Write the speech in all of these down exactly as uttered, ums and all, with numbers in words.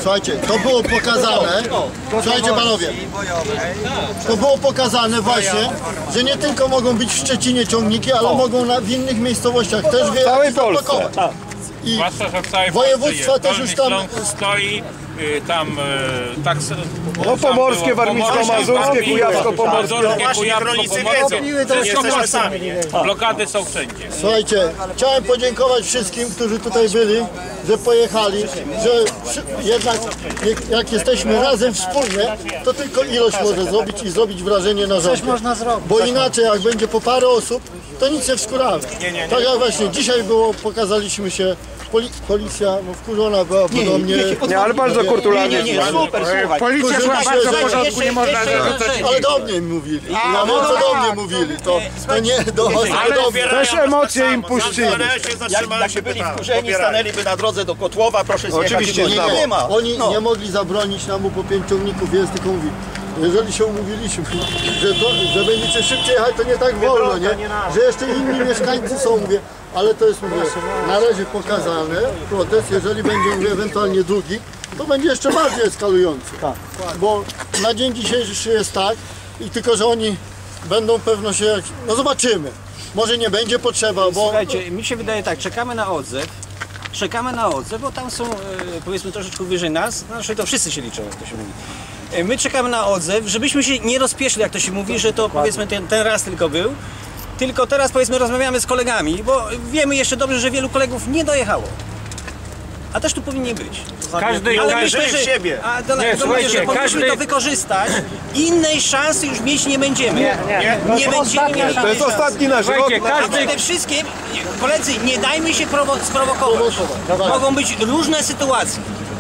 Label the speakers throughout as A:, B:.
A: Słuchajcie, to było pokazane, słuchajcie panowie, to było pokazane właśnie, że nie tylko mogą być w Szczecinie ciągniki, ale mogą na, w innych miejscowościach też w
B: całej Polsce.
A: I
C: zwłaszcza, że w całej
A: województwa też już tam
C: stoi, tam tak...
B: No pomorskie, warmińsko-mazurskie, kujawsko-pomorskie.
C: Kujawsko-pomorskie, jesteśmy sami. Blokady są wszędzie.
A: Słuchajcie, chciałem podziękować wszystkim, którzy tutaj byli, że pojechali, że jednak jak jesteśmy razem wspólnie, to tylko ilość może zrobić i zrobić wrażenie na rządzie. Bo inaczej jak będzie po parę osób, to nic nie wskuramy. Tak jak właśnie dzisiaj było, pokazaliśmy się, poli policja no, wkurzona była podobnie.
B: Nie, ale bardzo kulturalnie.
D: Nie, nie, super, słuchaj.
B: Policja była bardzo w porządku, nie można...
A: Ale do mnie mówili. Ja wiem, co do mnie mówili. To, to nie do was, ale do mnie.
B: Też emocje im puścili.
D: Jak, jakby byli wkurzeni, stanęliby na drodze do Kotłowa, proszę zjechać.
B: Oczywiście,
D: nie,
A: nie,
D: nie ma.
A: Oni
D: no.
A: nie mogli zabronić nam, bo po pięć ciągników jest, tylko mówi, jeżeli się umówiliśmy, że, to, że będziecie szybciej jechać, to nie tak wolno, nie? Że jeszcze inni mieszkańcy są, mówię, ale to jest, mówię, na razie pokazane, protest, jeżeli będzie, mówię, ewentualnie drugi, to będzie jeszcze bardziej eskalujący. Bo na dzień dzisiejszy jest tak, i tylko, że oni będą pewno się, jak, no zobaczymy, może nie będzie potrzeba, bo...
E: Słuchajcie, mi się wydaje tak, czekamy na odzew, czekamy na odzew, bo tam są, e, powiedzmy, troszeczkę wyżej nas, znaczy to wszyscy się liczą, jak to się mówi. E, my czekamy na odzew, żebyśmy się nie rozpieszli, jak to się mówi, że to powiedzmy ten, ten raz tylko był, tylko teraz powiedzmy rozmawiamy z kolegami, bo wiemy jeszcze dobrze, że wielu kolegów nie dojechało. A też tu powinni być.
C: Każdy,
E: ale
C: każdy
E: myślę, że,
C: siebie.
E: A, do,
C: Nie,
E: do, mówię, że powinniśmy
C: każdy...
E: to wykorzystać. Innej szansy już mieć nie będziemy. Nie, nie. nie będziemy mieli.
B: To jest ostatni nasz rok.
E: A przede wszystkim, koledzy, nie dajmy się prowo sprowokować. Mogą być różne sytuacje.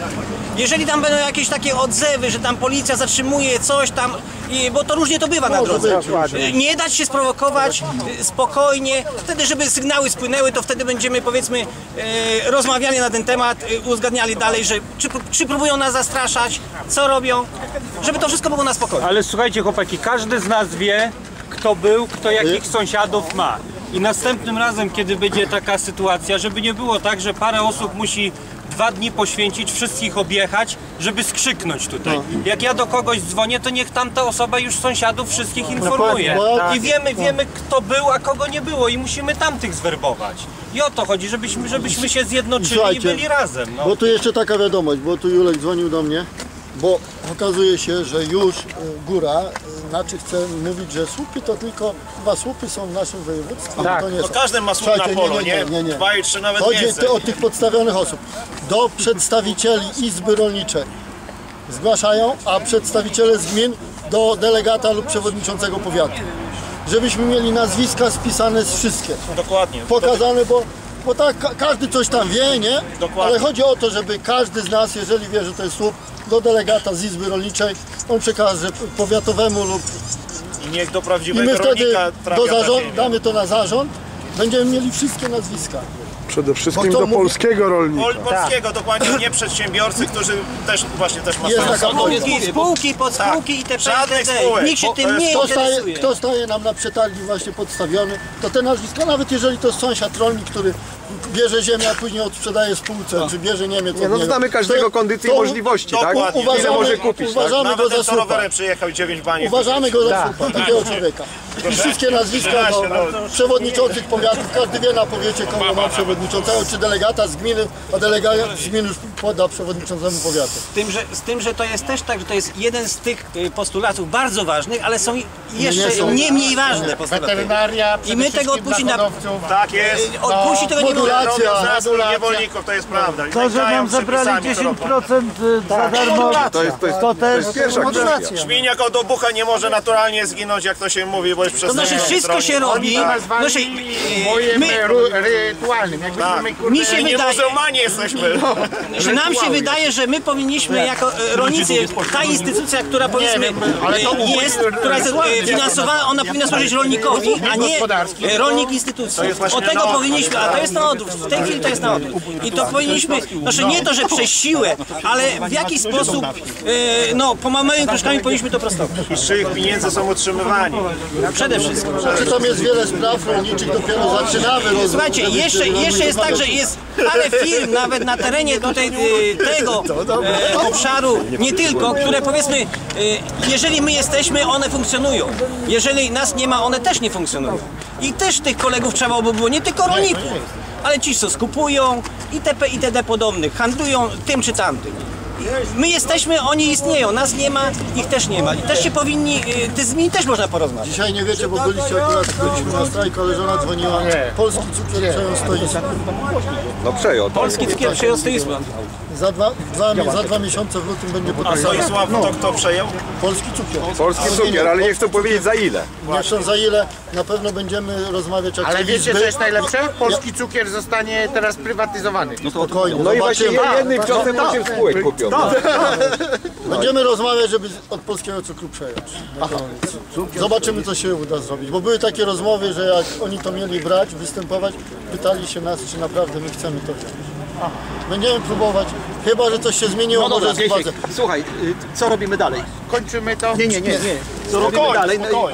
E: Jeżeli tam będą jakieś takie odzewy, że tam policja zatrzymuje coś tam, i, bo to różnie to bywa na drodze. Nie dać się sprowokować, spokojnie, wtedy żeby sygnały spłynęły, to wtedy będziemy powiedzmy e, rozmawiali na ten temat, e, uzgadniali dalej, że czy, czy próbują nas zastraszać, co robią, żeby to wszystko było na spokojnie.
F: Ale słuchajcie chłopaki, każdy z nas wie, kto był, kto jakich sąsiadów ma. I następnym razem, kiedy będzie taka sytuacja, żeby nie było tak, że parę osób musi dwa dni poświęcić, wszystkich objechać, żeby skrzyknąć tutaj. Jak ja do kogoś dzwonię, to niech tamta osoba już sąsiadów wszystkich informuje. I wiemy, wiemy kto był, a kogo nie było i musimy tamtych zwerbować. I o to chodzi, żebyśmy, żebyśmy się zjednoczyli i byli razem. No.
A: Bo tu jeszcze taka wiadomość, bo tu Julek dzwonił do mnie, bo okazuje się, że już góra, znaczy chce mówić, że słupy to tylko, chyba słupy są w naszym województwie.
C: Tak.
A: To nie
C: No
A: są.
C: każdy ma słup na polu, nie?
A: Nie, nie, nie.
C: Dwa i trzy nawet
A: Chodzi
C: więcej.
A: o tych podstawionych osób. Do przedstawicieli Izby Rolniczej zgłaszają, a przedstawiciele z gmin do delegata lub przewodniczącego powiatu. Żebyśmy mieli nazwiska spisane z wszystkie.
C: Dokładnie.
A: Pokazane, bo Bo tak ka każdy coś tam wie, nie?
C: Dokładnie.
A: Ale chodzi o to, żeby każdy z nas, jeżeli wie, że to jest słup, do delegata z Izby Rolniczej, on przekaże powiatowemu lub...
C: I niech do
A: I
C: prawdziwego
A: my wtedy
C: rolnika trafia
A: do
C: ta
A: zarząd,
C: ziemia.
A: damy to na zarząd, będziemy mieli wszystkie nazwiska.
B: Przede wszystkim
A: Bo to
B: do
A: mówi-
B: polskiego rolnika.
C: Pol polskiego, dokładnie, nie przedsiębiorcy, którzy też właśnie też ma
A: Jest
C: sens.
A: taka
E: Spółki, spółki, podspółki i te
C: Żadnych spółek,
E: Nikt się
C: bo to
E: tym
C: jest-
E: nie
A: Kto staje,
E: interesuje.
A: kto staje nam na przetargi właśnie podstawiony, to te nazwiska, nawet jeżeli to jest sąsiad rolnik, który bierze ziemię, a później odsprzedaje spółce, czy bierze Niemiec
B: Nie,
A: od
B: no
A: niego,
B: znamy każdego
A: to-
B: kondycji
A: to
B: i możliwości, tak?
C: dokładnie.
B: Ile
A: Uważamy,
B: może kupić, tak?
A: uważamy go
C: Nawet
A: za
C: ten, co
A: słupa.
C: rowerem przyjechał i dziewięć bani.
A: Uważamy go za słupa, takiego człowieka. I wszystkie nazwiska do przewodniczących powiatów, każdy wie na powiecie, kogo ma przewodniczącego, czy delegata z gminy, a delegat z gminy już poda przewodniczącemu powiatu.
E: Z tym, że, z tym, że to jest też tak, że to jest jeden z tych y, postulatów bardzo ważnych, ale są jeszcze
A: Nie są.
E: nie mniej ważne postulaty.
G: Weterynaria,
E: I my tego odpuścić na...
C: Tak jest.
E: Odpuścić tego nie możemy.
A: modulacja.
C: Robią zespół niewolników, to jest prawda.
G: To, że nam zabrali dziesięć procent za darmo,
B: To jest, to jest,
G: to
B: to
G: też
B: jest pierwsza kwestia.
G: modulacja.
C: Szminiak od obucha nie może naturalnie zginąć, jak to się mówi, bo jest
E: To
C: przez
E: znaczy wszystko się robi. Znaczy,
G: Bojem
E: my,
G: rytualnym, jakbyśmy kurde...
E: mi się
C: My nie
E: wydaje,
C: muzułmanie jesteśmy.
E: że nam się wydaje, że my powinniśmy jako e, rolnicy, ta instytucja, która powiedzmy
G: ale to
E: e, jest, która jest e, finansowana, ona powinna służyć rolnikowi, a nie e, rolnik instytucji. Od tego powinniśmy, a to jest to na odwrót, w tej chwili to jest na odwrót. I to powinniśmy, znaczy nie to, że przez siłę, ale w jakiś sposób, e, no, pomałymi kroczkami powinniśmy to prostować.
C: I z czyich pieniędzy są utrzymywani.
E: Przede wszystkim.
A: Czy tam jest wiele spraw rolniczych, dopiero zaczynamy. rozwój,
E: Słuchajcie,
A: żebyście
E: jeszcze,
A: mogli
E: jeszcze jest tak, że
A: rozmawiać.
E: jest parę firm nawet na terenie tutaj e, tego e, obszaru, nie tylko, które powiedzmy, e, jeżeli my jesteśmy, one funkcjonują. Jeżeli nas nie ma, one też nie funkcjonują. I też tych kolegów trzeba by było, nie tylko rolników, ale ci, co skupują, itp. itd. podobnych, handlują tym czy tamtym. My jesteśmy, oni istnieją, nas nie ma, ich też nie ma. I też się powinni, y, ty z nimi też można porozmawiać.
A: Dzisiaj nie wiecie, bo byliście akurat, byliśmy na strajku, ale żona dzwoniła. Polski cukier przejął stoisko.
B: No przejął. tak.
E: Polski cukier przejął stoisko.
A: Za dwa, dwa, za dwa miesiące w lutym będzie
C: A
A: podpisany.
C: Soisław to kto przejął?
A: Polski cukier.
B: Polski cukier, ale nie chcą powiedzieć za ile.
A: Nie chcą za ile, na pewno będziemy rozmawiać jak
H: Ale
A: te
H: wiecie,
A: izby.
H: co jest najlepsze? Polski cukier zostanie teraz prywatyzowany.
A: Spokojnie,
B: No i właśnie
A: zobaczymy.
B: jednym ciosem osiem spółek kupią.
A: Będziemy rozmawiać, żeby od polskiego cukru przejąć. Zobaczymy, co się uda zrobić. Bo były takie rozmowy, że jak oni to mieli brać, występować, pytali się nas, czy naprawdę my chcemy to wziąć. Będziemy próbować, chyba że coś się zmieniło,
D: No dobra,
A: może z
D: Grzesiek,
A: władzy.
D: słuchaj, y, co robimy dalej?
H: Kończymy to.
D: Nie, nie, nie, nie. Co robimy dalej? No i